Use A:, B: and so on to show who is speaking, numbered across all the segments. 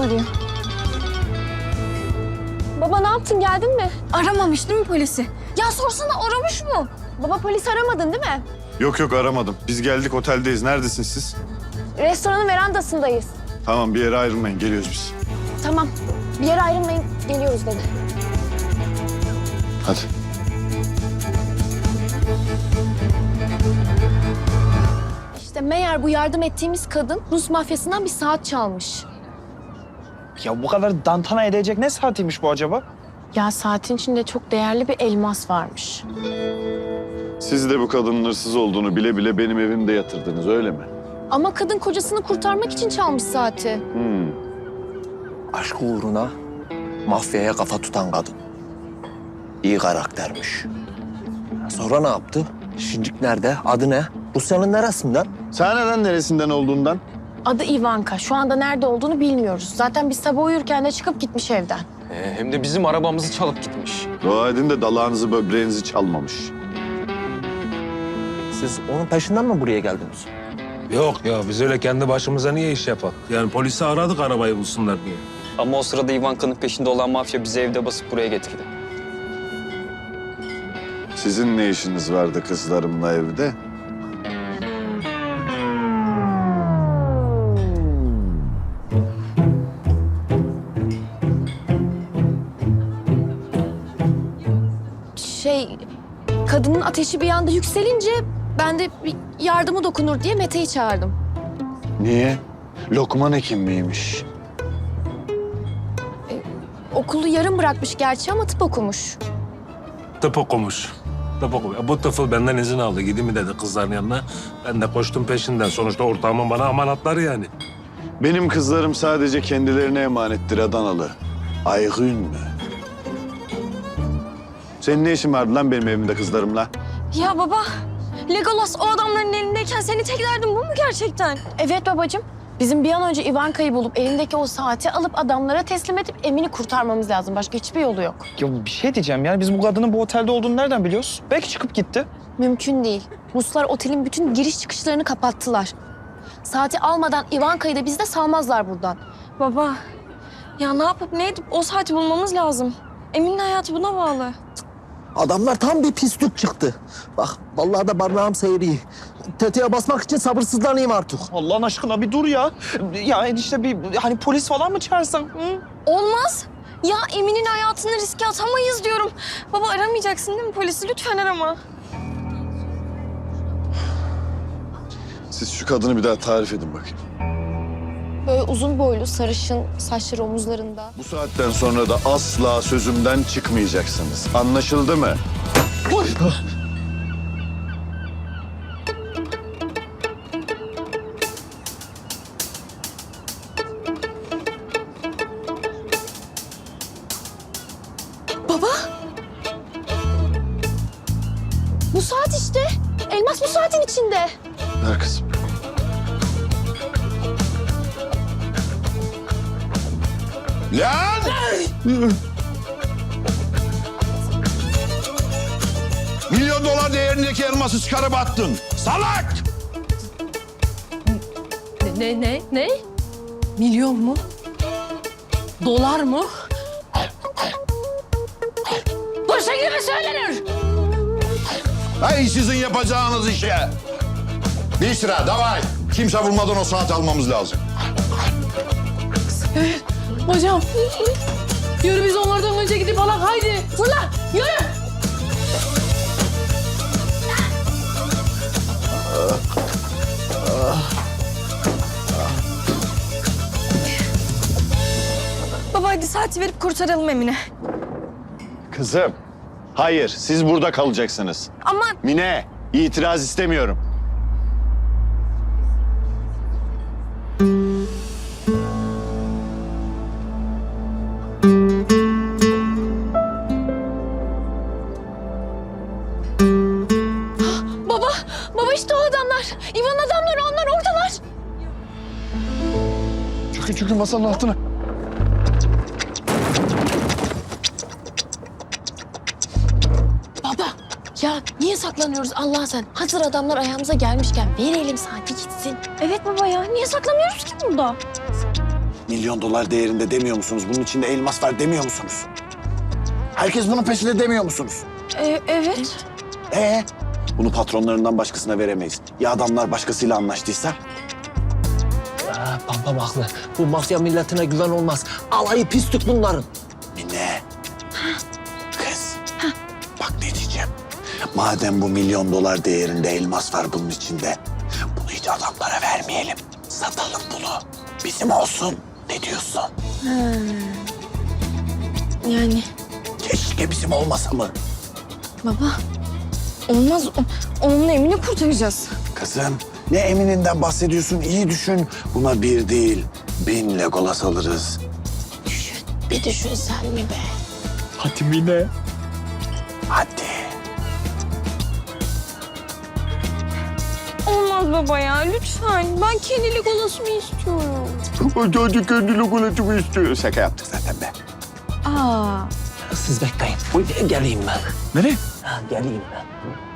A: arıyor. Baba ne yaptın, geldin mi?
B: Aramamış değil mi polisi? Ya sorsana, aramış mı?
A: Baba polis aramadın değil mi?
C: Yok aramadım. Biz geldik, oteldeyiz. Neredesiniz siz?
A: Restoranın verandasındayız.
C: Tamam, bir yere ayrılmayın. Geliyoruz biz.
A: Tamam, bir yere ayrılmayın, geliyoruz dedi.
C: Hadi.
A: İşte meğer bu yardım ettiğimiz kadın Rus mafyasından bir saat çalmış.
D: Ya bu kadar tantana edecek ne saatiymiş bu acaba?
A: Ya saatin içinde çok değerli bir elmas varmış.
C: Siz de bu kadının hırsız olduğunu bile bile benim evimde yatırdınız, öyle mi?
A: Ama kadın kocasını kurtarmak için çalmış saati.
E: Aşk uğruna mafyaya kafa tutan kadın. İyi karaktermiş. Sonra ne yaptı? Şincik nerede? Adı ne? Rusya'nın neresinden?
C: Sen neden neresinden olduğundan?
A: Adı Ivanka. Şu anda nerede olduğunu bilmiyoruz. Zaten biz sabah uyurken de çıkıp gitmiş evden.
F: Hem de bizim arabamızı çalıp gitmiş.
C: Dua edin de dalağınızı, böbreğinizi çalmamış.
E: Siz onun peşinden mi buraya geldiniz?
G: Yok ya, biz öyle kendi başımıza niye iş yapalım? Yani polisi aradık arabayı bulsunlar diye.
F: Ama o sırada Ivanka'nın peşinde olan mafya bizi evde basıp buraya getirdi.
C: Sizin ne işiniz vardı kızlarımla evde?
A: Kadının ateşi bir anda yükselince ben de bir yardımı dokunur diye Mete'yi çağırdım.
C: Niye? Lokman hekim miymiş?
A: Okulu yarım bırakmış gerçi ama tıp okumuş.
G: Tıp okumuş. Tıp okumuş. Bu tıfıl benden izin aldı. Gideyim mi dedi kızların yanına. Ben de koştum peşinden. Sonuçta ortağımın bana amanatları yani.
C: Benim kızlarım sadece kendilerine emanettir Adanalı. Aygün mü? Senin ne işin vardı lan benim evimde kızlarımla?
B: Ya baba, Legolas o adamların elindeyken seni tek derdin bu mu gerçekten?
A: Evet babacığım. Bizim bir an önce Ivanka'yı bulup elindeki o saati alıp adamlara teslim edip Emin'i kurtarmamız lazım. Başka hiçbir yolu yok.
D: Ya bir şey diyeceğim yani biz bu kadının bu otelde olduğunu nereden biliyoruz? Belki çıkıp gitti.
A: Mümkün değil. Ruslar otelin bütün giriş çıkışlarını kapattılar. Saati almadan Ivanka'yı da bizi de salmazlar buradan.
B: Baba, ya ne yapıp ne edip o saati bulmamız lazım. Emin'in hayatı buna bağlı.
E: Adamlar tam bir pislik çıktı. Bak vallahi da barnağım seyri. Tetiğe basmak için sabırsızlanayım artık.
D: Allah'ın aşkına bir dur ya. Ya işte bir hani polis falan mı çağırsan? Hı?
B: Olmaz. Ya Emin'in hayatını riske atamayız diyorum. Baba aramayacaksın değil mi polisi? Lütfen arama.
C: Siz şu kadını bir daha tarif edin bakayım.
A: Böyle uzun boylu, sarışın, saçları omuzlarında.
C: Bu saatten sonra da asla sözümden çıkmayacaksınız. Anlaşıldı mı?
A: Baba! Bu saat işte. Elmas bu saatin içinde.
C: Ver kızım. Lan!
H: Milyon dolar değerindeki elması çıkarıp attın. Salak!
B: Ne? Milyon mu? Dolar mı? Bu şekilde söylenir.
H: Hey sizin yapacağınız işe. Bir sıra davay. Kimse bulmadan o saati almamız lazım.
B: Hocam, yürü biz onlardan önce gidip alak haydi. Fırla, yürü. Baba hadi saati verip kurtaralım Emine.
C: Kızım. Hayır, siz burada kalacaksınız.
B: Ama
C: Mine, itiraz istemiyorum.
A: Baba işte o adamlar. İvan adamları, onlar oradalar.
C: Çökün masanın altına.
A: Baba ya niye saklanıyoruz Allah sen? Hazır adamlar ayağımıza gelmişken verelim saati gitsin.
B: evet baba ya, niye saklanıyoruz ki burada?
C: milyon dolar değerinde demiyor musunuz? Bunun içinde elmas var demiyor musunuz? Herkes bunun peşinde demiyor musunuz?
B: Evet.
C: Bunu patronlarından başkasına veremeyiz. Ya adamlar başkasıyla anlaştıysa?
E: Pampam haklı. Bu mafya milletine güven olmaz. Alayı pislik bunların.
C: Mine. Kız. Bak ne diyeceğim. Madem bu milyon dolar değerinde elmas var bunun içinde. Bunu hiç adamlara vermeyelim. Satalım bunu. Bizim olsun. Ne diyorsun?
B: Yani
C: Keşke bizim olmasa mı?
B: baba olmaz. Onunla Emin'i kurtaracağız.
C: Kızım ne emininden bahsediyorsun? İyi düşün. Buna 1 değil 1000 Legolas alırız.
A: Bir düşün sen mi be?
D: Hadi Mine.
C: Hadi.
B: Olmaz baba ya lütfen. Ben kendi Legolas'ımı istiyorum.
C: Hadi kendi Legolas'ımı istiyor. Şaka yaptık zaten be.
B: Aa.
E: Siz bekleyin. Geleyim ben.
D: Nereye?
E: Ha, geleyim ben.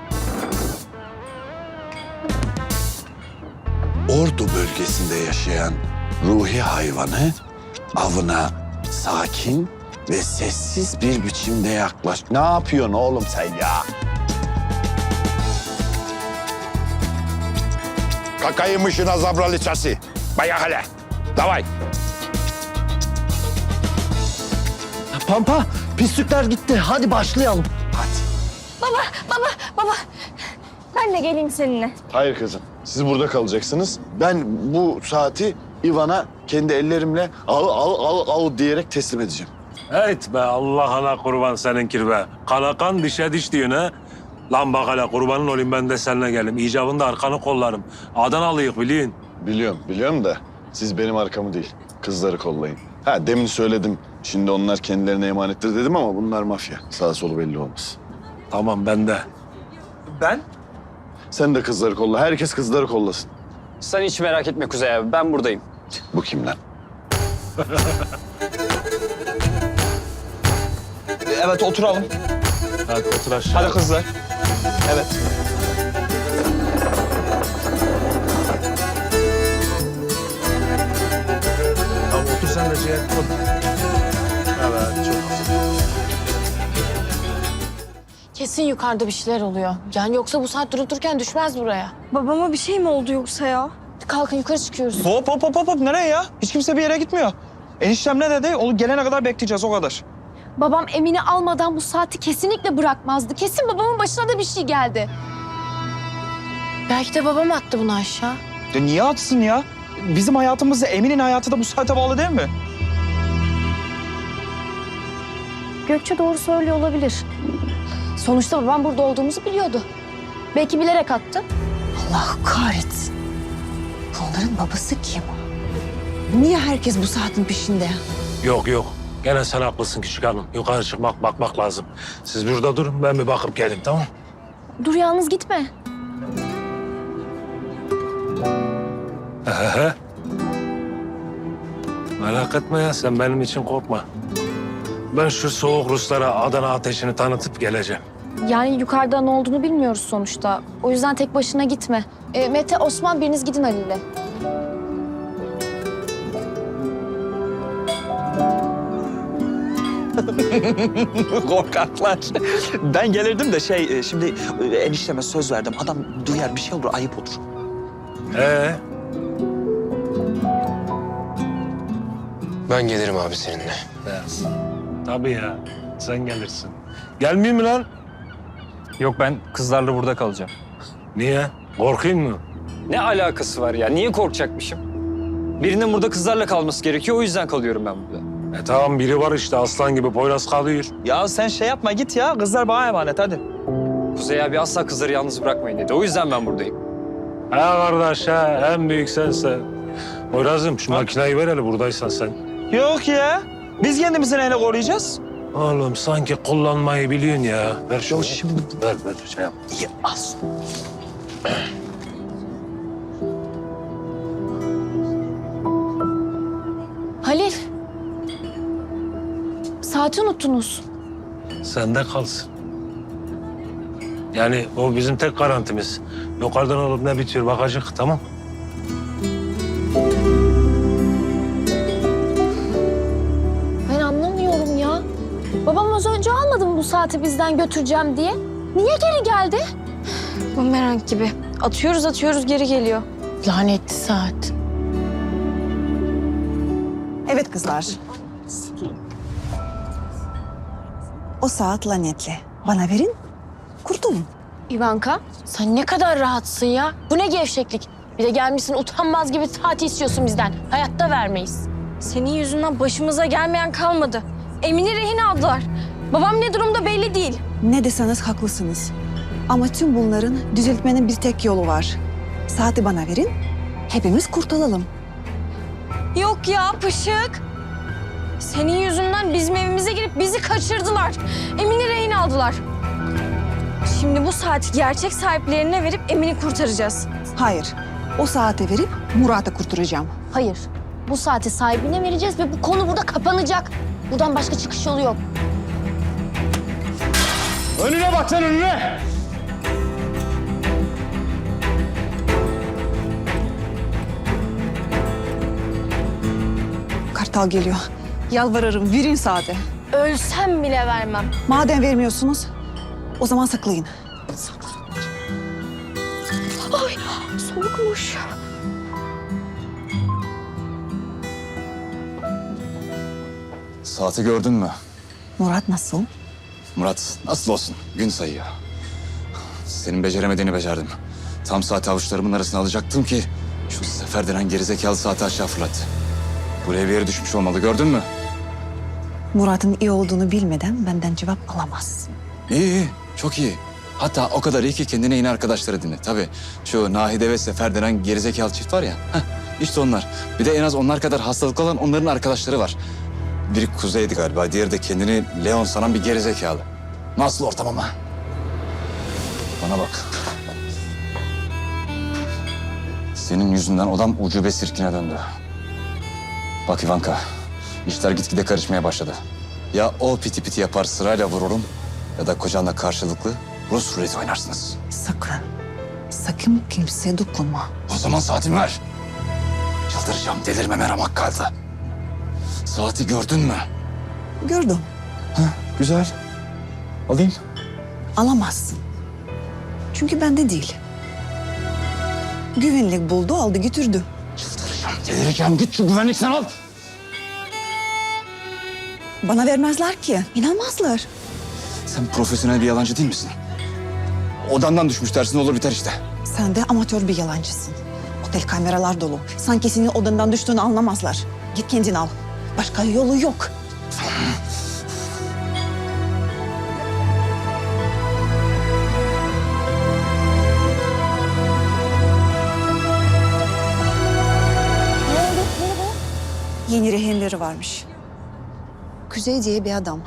C: Ordu bölgesinde yaşayan ruhi hayvanı avına sakin ve sessiz bir biçimde yaklaş. Ne yapıyorsun oğlum sen ya?
H: Kakaymışına zabraliçası. Bayağı hele. Davay.
E: Pampa, pislikler gitti. Hadi başlayalım.
B: Baba. Ben de geleyim seninle.
C: Hayır kızım. Siz burada kalacaksınız. Ben bu saati Ivan'a kendi ellerimle al diyerek teslim edeceğim.
G: Evet be Allah'ına kurban seninkir be. Kanakan dişe diş diyorsun ha. Lan bak hele kurbanın olayım ben de seninle gelim. İcabında arkanı kollarım. Adanalıyık biliyin.
C: Biliyorum da siz benim arkamı değil, kızları kollayın. Ha demin söyledim. Şimdi onlar kendilerine emanettir dedim ama bunlar mafya. Sağ solu belli olmaz.
G: Tamam ben de.
D: Ben?
C: Sen de kızları kolla. Herkes kızları kollasın.
F: Sen hiç merak etme Kuzey abi, ben buradayım.
C: Bu kim lan?
D: Evet oturalım.
G: Hadi otur aşağı.
D: Hadi kızlar. Evet.
G: Tamam otur sen de şey. Otur. Evet çok güzel.
A: Kesin yukarıda bir şeyler oluyor. Yani yoksa bu saat durup dururken düşmez buraya.
B: Babama bir şey mi oldu yoksa ya?
A: Kalkın yukarı çıkıyoruz.
D: Hop. Nereye ya? Hiç kimse bir yere gitmiyor. Eniştem ne dedi? Onu gelene kadar bekleyeceğiz o kadar.
A: Babam Emin'i almadan bu saati kesinlikle bırakmazdı. Kesin babamın başına da bir şey geldi. Belki de babam attı bunu aşağı.
D: Ya niye atsın ya? Bizim hayatımızda Emin'in hayatı da bu saate bağlı değil mi?
A: Gökçe doğru söylüyor olabilir. Sonuçta babam burada olduğumuzu biliyordu. Belki bilerek attı.
I: Allah kahretsin. Onların babası kim? Niye herkes bu saatin peşinde?
G: Yok. Gene sen haklısın küçük hanım. Yukarı çıkmak, bakmak lazım. Siz burada durun, ben bir bakıp geleyim, tamam?
A: Dur yalnız gitme.
G: Merak etme ya, sen benim için korkma. Ben şu soğuk Ruslara Adana ateşini tanıtıp geleceğim.
A: Yani yukarıda ne olduğunu bilmiyoruz sonuçta. O yüzden tek başına gitme. Mete, Osman biriniz gidin Halil'le.
D: Korkaklar. Ben gelirdim de şimdi enişteme söz verdim. Adam duyar bir şey olur ayıp olur.
J: Ben gelirim abi seninle.
G: Tabii ya, sen gelirsin. Gelmeyeyim mi lan?
F: Yok ben kızlarla burada kalacağım.
G: Niye? Korkayım mı?
F: Ne alakası var ya? Niye korkacakmışım? Birinin burada kızlarla kalması gerekiyor, o yüzden kalıyorum ben burada.
G: Tamam biri var işte aslan gibi Poyraz kalıyor.
D: Ya sen şey yapma git ya. Kızlar bana emanet hadi.
F: Kuzey abi asla kızları yalnız bırakmayın dedi. O yüzden ben buradayım.
G: Ha kardeş ha, en büyük sensin. Poyraz'ım şu makineyi ver hele buradaysan sen.
D: Yok ya. Biz kendimizi neyle koruyacağız?
G: Oğlum sanki kullanmayı biliyorsun ya. Ver şunu.
D: Yok şimdi.
G: Ver şey yap.
D: İyi az.
A: Halil. Saati unuttunuz.
G: Sende kalsın. Yani o bizim tek garantimiz. Yukarıdan olup ne bitiyor bakacak, tamam?
A: saati bizden götüreceğim diye. Niye geri geldi?
B: Bumerang gibi. Atıyoruz geri geliyor.
A: Lanetli saat.
I: Evet kızlar. O saat lanetli. Bana verin, kurtulun.
A: Ivanka, sen ne kadar rahatsın ya. Bu ne gevşeklik. Bir de gelmişsin utanmaz gibi saati istiyorsun bizden. Hayatta vermeyiz.
B: Senin yüzünden başımıza gelmeyen kalmadı. Emin'i rehin aldılar. Babam ne durumda belli değil.
I: Ne deseniz haklısınız. Ama tüm bunların düzeltmenin bir tek yolu var. Saati bana verin, hepimiz kurtulalım.
B: Yok ya Pışık. Senin yüzünden bizim evimize girip bizi kaçırdılar. Emin'i rehin aldılar. Şimdi bu saati gerçek sahiplerine verip Emin'i kurtaracağız.
I: Hayır, o saati verip Murat'ı kurtaracağım.
A: Hayır. Bu saati sahibine vereceğiz ve bu konu burada kapanacak. Buradan başka çıkış yolu yok.
H: Önüne bak sen önüne.
I: Kartal geliyor. Yalvarırım, verin saati.
B: Ölsem bile vermem.
I: Madem vermiyorsunuz, o zaman saklayın.
B: Soğukmuş.
J: Saati gördün mü?
I: Murat nasıl?
J: Murat nasıl olsun? Gün sayıyor. Senin beceremediğini becerdim. Tam saati avuçlarımın arasına alacaktım ki şu Sefer denen gerizekalı saati aşağı fırlattı. Buraya bir yere düşmüş olmalı, gördün mü?
I: Murat'ın iyi olduğunu bilmeden benden cevap alamaz.
J: İyi, çok iyi. Hatta o kadar iyi ki kendine yeni arkadaşları dinle. Tabii şu Nahide ve Sefer denen gerizekalı çift var ya. İşte onlar. Bir de en az onlar kadar hastalıklı olan onların arkadaşları var. Biri Kuzey'di galiba, diğeri de kendini Leon sanan bir gerizekalı. Nasıl ortam ama? Bana bak. Senin yüzünden odam ucube sirkine döndü. Bak Ivanka, işler gitgide karışmaya başladı. Ya o piti piti yapar sırayla vururum ya da kocanla karşılıklı Rus ruleti oynarsınız.
I: Sakın kimseye dokunma.
J: O zaman saatimi ver. Çıldıracağım, delirmeme ramak kaldı. Saati gördün mü?
I: Gördüm.
J: Güzel. Alayım.
I: Alamazsın. Çünkü bende değil. Güvenlik buldu, aldı götürdü.
J: Çıldıracağım, delireceğim. Git şu güvenlikten al.
I: Bana vermezler ki. İnanmazlar.
J: Sen profesyonel bir yalancı değil misin? Odandan düşmüş dersin, olur biter işte.
I: Sen de amatör bir yalancısın. Otel kameralar dolu. Sanki senin odandan düştüğünü anlamazlar. Git kendin al. Başka yolu yok. Yeni rehinleri varmış. Kuzey diye bir adam.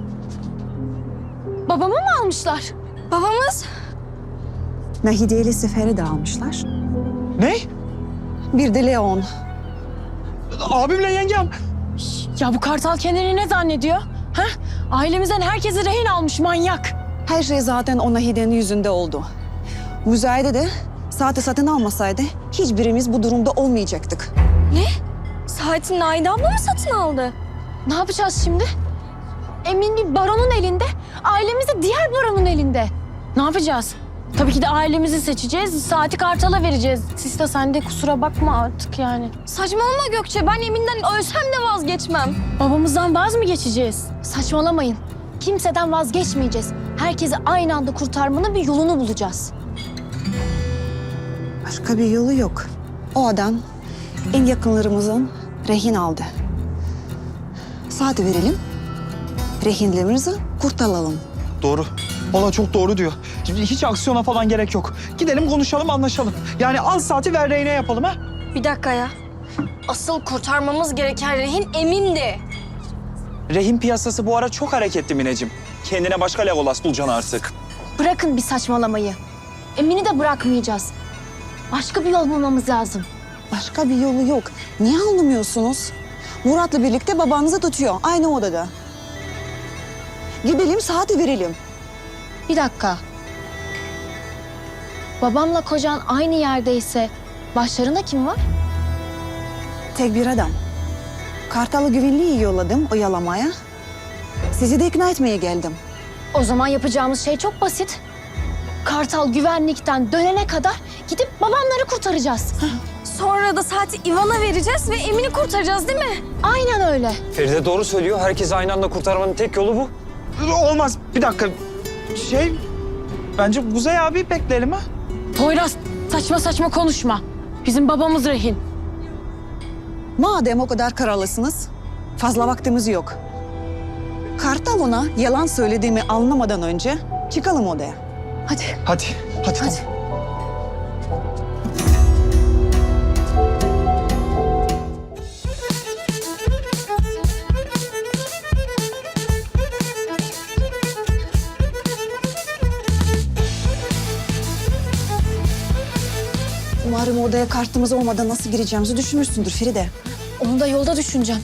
A: Babamı mı almışlar?
B: Babamız?
I: Nahide ile Sefer'i de almışlar.
D: Ne?
I: Bir de Leon.
D: Abimle yengem.
A: Ya bu kartal kendini ne zannediyor? Ha? Ailemizden herkesi rehin almış manyak.
I: Her şey zaten o Nahide'nin yüzünde oldu. Müzayede de saati satın almasaydı hiçbirimiz bu durumda olmayacaktık.
B: Saati Naide abla mı satın aldı?
A: Ne yapacağız şimdi? Emin bir baronun elinde, ailemiz de diğer baronun elinde. Ne yapacağız? Tabii ki de ailemizi seçeceğiz, saati kartala vereceğiz. Siz de sen de kusura bakma artık yani.
B: Saçmalama Gökçe. Ben Emin'den ölsem de vazgeçmem.
A: Babamızdan vaz mı geçeceğiz? Saçmalamayın. Kimseden vazgeçmeyeceğiz. Herkesi aynı anda kurtarmanın bir yolunu bulacağız.
I: Başka bir yolu yok. O adam en yakınlarımızın rehin aldı. Saati verelim, rehinlerimizi kurtaralım.
D: Doğru. Valla çok doğru diyor. Hiç aksiyona falan gerek yok. Gidelim konuşalım, anlaşalım. Yani al saati ver rehine yapalım ha.
B: Bir dakika ya. Asıl kurtarmamız gereken rehin Emin'di.
D: Rehin piyasası bu ara çok hareketli Mineciğim. Kendine başka Legolas bulacaksın artık.
A: Bırakın bir saçmalamayı. Emin'i de bırakmayacağız. Başka bir yol bulmamız lazım.
I: Başka bir yolu yok. Niye anlamıyorsunuz? Murat'la birlikte babanızı tutuyor aynı odada. Gidelim saati verelim.
A: Bir dakika. Babamla kocan aynı yerdeyse başlarında kim var?
I: Tek bir adam. Kartal'ı güvenliği yolladım oyalamaya. Sizi de ikna etmeye geldim.
A: O zaman yapacağımız şey çok basit. Kartal güvenlikten dönene kadar gidip babamları kurtaracağız.
B: Sonra da saati Ivan'a vereceğiz ve Emin'i kurtaracağız değil mi?
A: Aynen öyle.
F: Feride doğru söylüyor. Herkesi aynı anda kurtarmanın tek yolu bu.
D: Olmaz. Bir dakika. Bence Kuzey abi bekleyelim ha.
A: Poyraz saçma saçma konuşma. Bizim babamız rehin.
I: Madem o kadar kararlısınız, fazla vaktimiz yok. Kartal ona yalan söylediğimi anlamadan önce çıkalım odaya. Hadi.
D: Hadi. Tamam.
I: Umarım odaya kartımız olmadan nasıl gireceğimizi düşünmüşsündür Feride.
A: Onu da yolda düşüneceğim.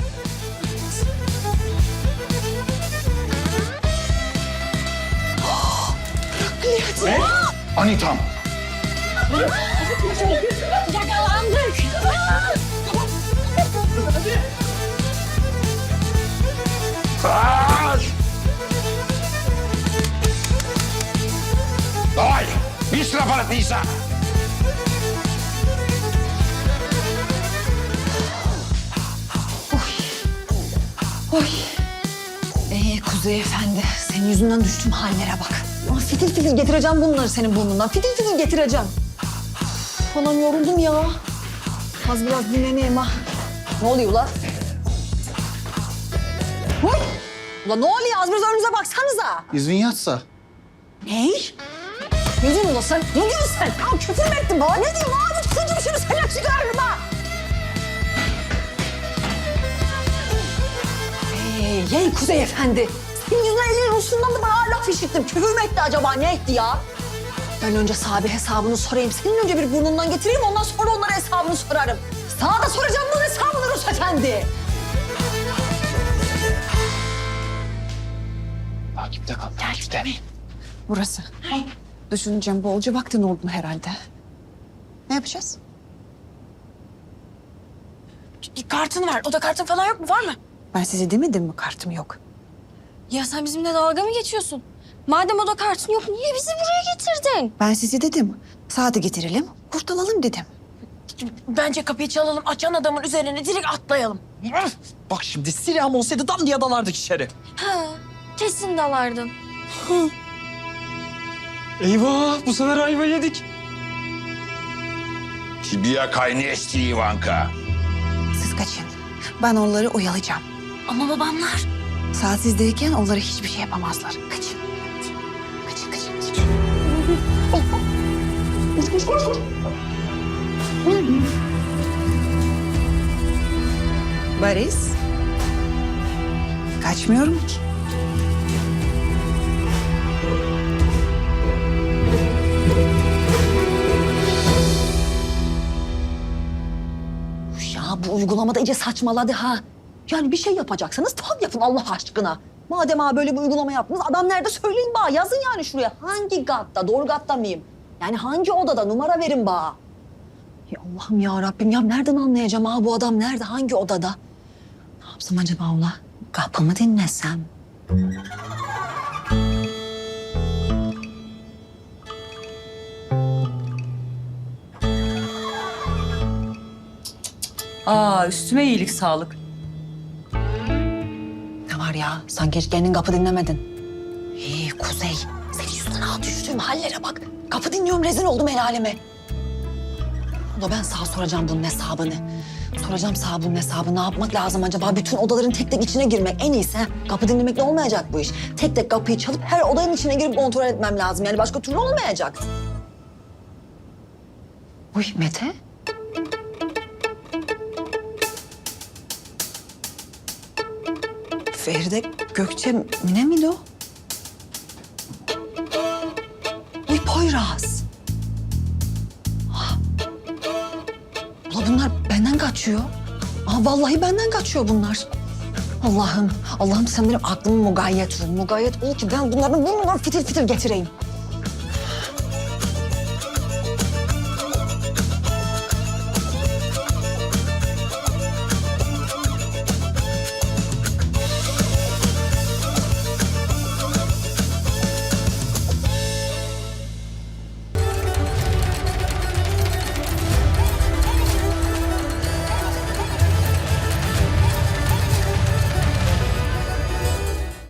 H: Anitam.
A: Yakalandık.
H: Давай, быстро, Паратниса.
I: Kuzey Efendi, senin yüzünden düştüm hallere bak. Fitil fitil getireceğim bunları senin burnundan. Fitil fitil getireceğim. Anam yoruldum ya. Az biraz dinleneyim ha. Ne oluyor ulan? Huy! Ulan ne oluyor? Az biraz önünüze baksanıza.
E: İzin yatsa.
I: Ne? Ne diyorsun ulan sen? Ne diyorsun sen? Ya küfür mü ettin bana? Ne diyorsun abi? Tutunca bir şunu sen çıkarırım ha. Hey Kuzey Efendi. Senin yüzünden elinin Rus'undan da bana laf işittim. Küfür mü etti acaba? Ne etti ya? Ben önce sahibi hesabını sorayım. Senin önce bir burnundan getireyim. Ondan sonra onlara hesabını sorarım. Sana da soracağım bunun hesabını Rus Efendi.
J: Takipte kal. Takipte.
I: Burası. Düşüneceğim bolca vaktin oldu herhalde. Ne yapacağız?
A: Kartın var. Oda kartın falan yok mu? Var mı?
I: Ben size demedim mi kartım yok?
B: Ya sen bizimle dalga mı geçiyorsun? Madem oda kartın yok niye bizi buraya getirdin?
I: Ben size dedim. Saati getirelim, kurtulalım dedim.
A: Bence kapıyı çalalım. Açan adamın üzerine direkt atlayalım.
D: Bak şimdi silahım olsaydı dam diye dalardık içeri.
B: Ha, kesin dalardın.
F: Eyvah! Bu sefer ayva yedik.
H: Тебе, конечно, Иванка.
I: Siz kaçın. Ben onları oyalayacağım.
A: Ama babamlar.
I: Saat sizdeyken onlara hiçbir şey yapamazlar. Kaçın. Kaçın. Boris. Kaçmıyorum ki. Ya bu uygulamada iyice saçmaladı ha. Yani bir şey yapacaksanız tam yapın Allah aşkına. Madem ha böyle bir uygulama yaptınız, adam nerede söyleyin bana. Yazın yani şuraya. Hangi katta, doğru katta mıyım? Yani hangi odada numara verin bana. Ya Allah'ım ya Rabbim ya nereden anlayacağım ha bu adam nerede, hangi odada? Ne yapsam acaba ola? Kapımı dinlesem?
K: Üstüme iyilik sağlık.
I: Ne var ya? Sanki hiç kendin kapı dinlemedin. Kuzey, senin yüzünden düştüğüm hallere bak. Kapı dinliyorum, rezil oldum el aleme. Ulan ben sana soracağım bunun hesabını. Soracağım sana bunun hesabını. Ne yapmak lazım acaba? Bütün odaların tek tek içine girmek en iyisi. Kapı dinlemekle olmayacak bu iş. Tek tek kapıyı çalıp her odanın içine girip kontrol etmem lazım. Yani başka türlü olmayacak. Uy Mete. Feride Gökçe ne miydi o? Uy Poyraz. Ula bunlar benden kaçıyor. Vallahi benden kaçıyor bunlar. Allah'ım sen benim aklımı mugayyet ol. Mugayyet ol ki ben bunların burnundan fitil fitil getireyim.